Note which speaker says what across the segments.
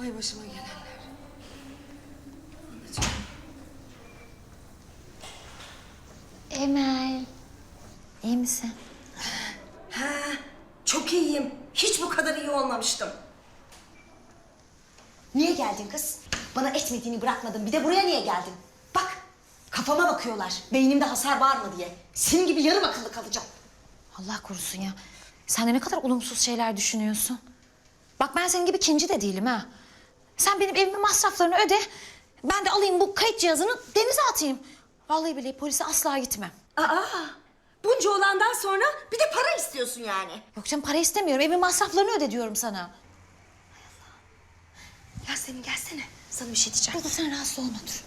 Speaker 1: Vay başıma gelenler. Anacığım.
Speaker 2: Emel, iyi misin?
Speaker 1: Ha, çok iyiyim. Hiç bu kadar iyi olmamıştım.
Speaker 3: Niye geldin kız? Bana etmediğini bırakmadın. Bir de buraya niye geldin? Bak, kafama bakıyorlar. Beynimde hasar var mı diye. Senin gibi yarım akıllı kalacağım.
Speaker 2: Allah korusun ya. Sen de ne kadar olumsuz şeyler düşünüyorsun. Bak ben senin gibi kinci de değilim ha. Sen benim evimin masraflarını öde. Ben de alayım bu kayıt cihazını denize atayım. Vallahi billahi polise asla gitmem.
Speaker 3: Aa, bunca olandan sonra bir de para istiyorsun yani.
Speaker 2: Yok canım para istemiyorum. Evimin masraflarını öde diyorum sana.
Speaker 3: Yasemin gelsene. Sana bir şey diyeceğim.
Speaker 2: Dur sen rahatsız olma dur.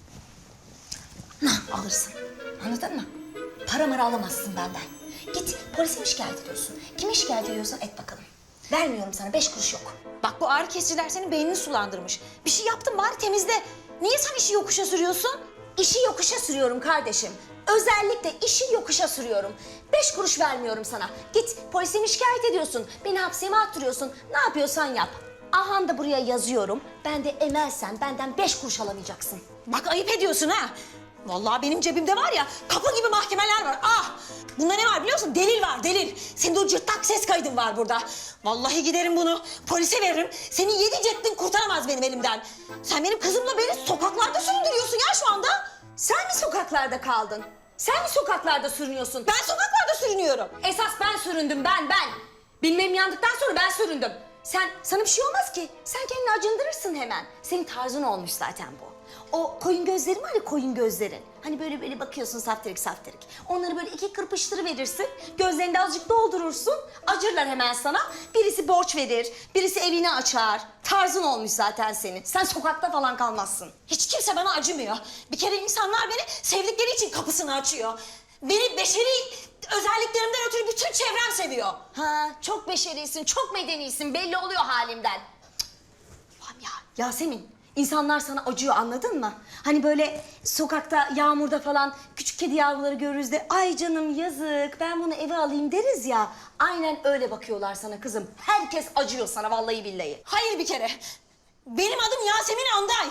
Speaker 3: Ne alırsın? Anladın mı? Para mara alamazsın benden. Git polise mi şikayet ediyorsun? Kime şikayet ediyorsan et bakalım. Vermiyorum sana 5 kuruş yok.
Speaker 2: Bak bu ağrı kesiciler senin beynini sulandırmış. Bir şey yaptın bari temizle. Niye sen işi yokuşa sürüyorsun?
Speaker 3: İşi yokuşa sürüyorum kardeşim. Özellikle işi yokuşa sürüyorum. 5 kuruş vermiyorum sana. Git polise mi şikayet ediyorsun? Beni hapse mi attırıyorsun? Ne yapıyorsan yap. Ahan da buraya yazıyorum. Ben de Emel'sen benden 5 kuruş alamayacaksın.
Speaker 2: Bak ayıp ediyorsun ha. Vallahi benim cebimde var ya kapı gibi mahkemeler var. Ah! Bunda ne var biliyor musun? Delil var delil. Senin de o cırtlak ses kaydın var burada. Vallahi giderim bunu polise veririm. Senin 7 ceddin kurtaramaz benim elimden. Sen benim kızımla beni sokaklarda süründürüyorsun ya şu anda.
Speaker 3: Sen mi sokaklarda kaldın? Sen mi sokaklarda sürünüyorsun?
Speaker 2: Ben sokaklarda sürünüyorum.
Speaker 3: Esas ben süründüm ben. Bilmem yandıktan sonra ben süründüm. Sana bir şey olmaz ki. Sen kendini acındırırsın hemen. Senin tarzın olmuş zaten bu. O koyun gözlerin var ya koyun gözlerin. Hani böyle bakıyorsun saftirik saftirik. Onları böyle 2 kırpıştırıverirsin. Gözlerini de azıcık doldurursun. Acırlar hemen sana. Birisi borç verir, birisi evini açar. Tarzın olmuş zaten senin. Sen sokakta falan kalmazsın.
Speaker 2: Hiç kimse bana acımıyor. Bir kere insanlar beni sevdikleri için kapısını açıyor. Beni beşeri özelliklerimden ötürü bütün çevrem seviyor.
Speaker 3: Ha, çok beşerisin, çok medenisin. Belli oluyor halimden. Ulan ya Yasemin, insanlar sana acıyor anladın mı? Hani böyle sokakta, yağmurda falan küçük kedi yavruları görürüz de ay canım yazık ben bunu eve alayım deriz ya. Aynen öyle bakıyorlar sana kızım. Herkes acıyor sana vallahi billahi.
Speaker 2: Hayır bir kere. Benim adım Yasemin Anday.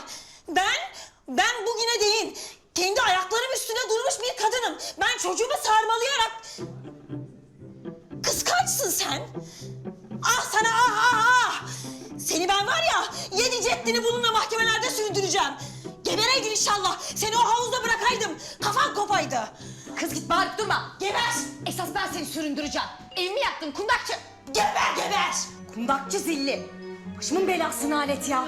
Speaker 2: Ben bugüne değin kendi ayaklarım üstüne durmuş bir kadınım. Ben çocuğumu sarmalayarak... Kıskançsın sen. Ah sana ah! Seni ben var ya 7 ceddini bununla mahkemelerde sürdüreceğim. Gebereydin inşallah. Seni o havuzda bırakaydım. Kafan kopaydı.
Speaker 3: Kız git bağırıp durma. Geber. Esas ben seni süründüreceğim. Evimi yaktın kundakçı.
Speaker 2: Geber!
Speaker 3: Kundakçı zilli. Başımın belasını alet ya.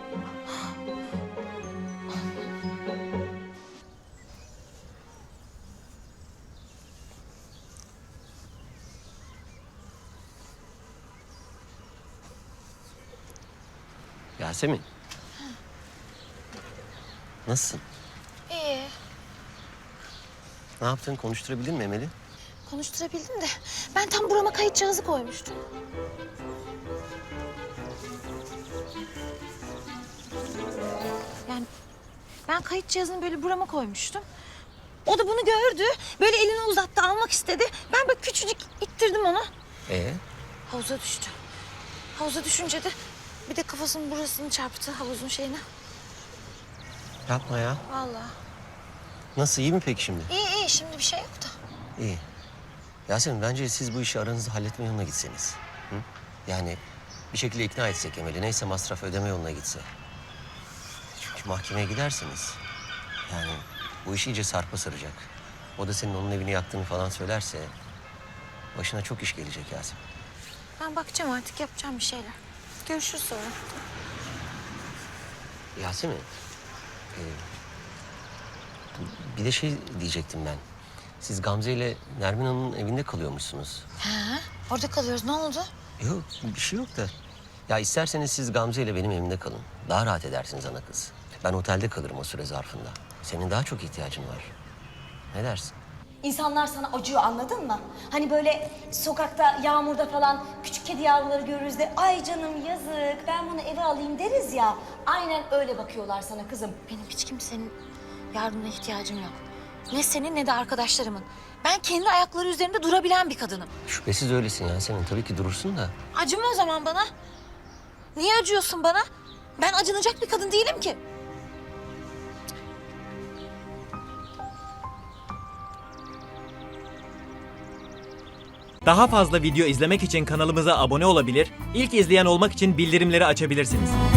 Speaker 4: Yasemin. Nasılsın?
Speaker 2: İyi.
Speaker 4: Ne yaptın? Konuşturabildin mi Emel'i?
Speaker 2: Konuşturabildim de ben tam burama kayıt cihazı koymuştum. Yani ben kayıt cihazını böyle burama koymuştum. O da bunu gördü. Böyle elini uzattı almak istedi. Ben böyle küçücük ittirdim onu. Havuza düştü. Havuza düşünce de bir de kafasının burasını çarptı havuzun şeyine.
Speaker 4: Yapma ya.
Speaker 2: Vallahi.
Speaker 4: Nasıl? İyi mi peki şimdi?
Speaker 2: İyi şimdi bir şey yok da.
Speaker 4: İyi. Yasemin bence siz bu işi aranızda halletme yoluna gitseniz. Hı? Yani bir şekilde ikna etsek Emel'i. Neyse masraf ödeme yoluna gitse. Çünkü mahkemeye giderseniz... Yani bu iş iyice sarpa saracak. O da senin onun evini yaktığını falan söylerse... Başına çok iş gelecek Yasemin.
Speaker 2: Ben bakacağım artık yapacağım bir şeyler. Görüşürüz sonra.
Speaker 4: Yasemin... bir de şey diyecektim ben. Siz Gamze ile Nermin Hanım'ın evinde kalıyormuşsunuz.
Speaker 2: Ha, orada kalıyoruz. Ne oldu?
Speaker 4: Yok, bir şey yok da. Ya isterseniz siz Gamze ile benim evimde kalın. Daha rahat edersiniz ana kız. Ben otelde kalırım o süre zarfında. Senin daha çok ihtiyacın var. Ne dersin?
Speaker 3: İnsanlar sana acıyor anladın mı? Hani böyle sokakta, yağmurda falan küçük kedi yavruları görürüz de ay canım yazık ben bunu eve alayım deriz ya. Aynen öyle bakıyorlar sana kızım.
Speaker 2: Benim hiç kimsenin yardımına ihtiyacım yok. Ne senin ne de arkadaşlarımın. Ben kendi ayakları üzerinde durabilen bir kadınım.
Speaker 4: Şüphesiz öylesin Yasemin. Tabii ki durursun da.
Speaker 2: Acıma o zaman bana. Niye acıyorsun bana? Ben acınacak bir kadın değilim ki.
Speaker 5: Daha fazla video izlemek için kanalımıza abone olabilir, ilk izleyen olmak için bildirimleri açabilirsiniz.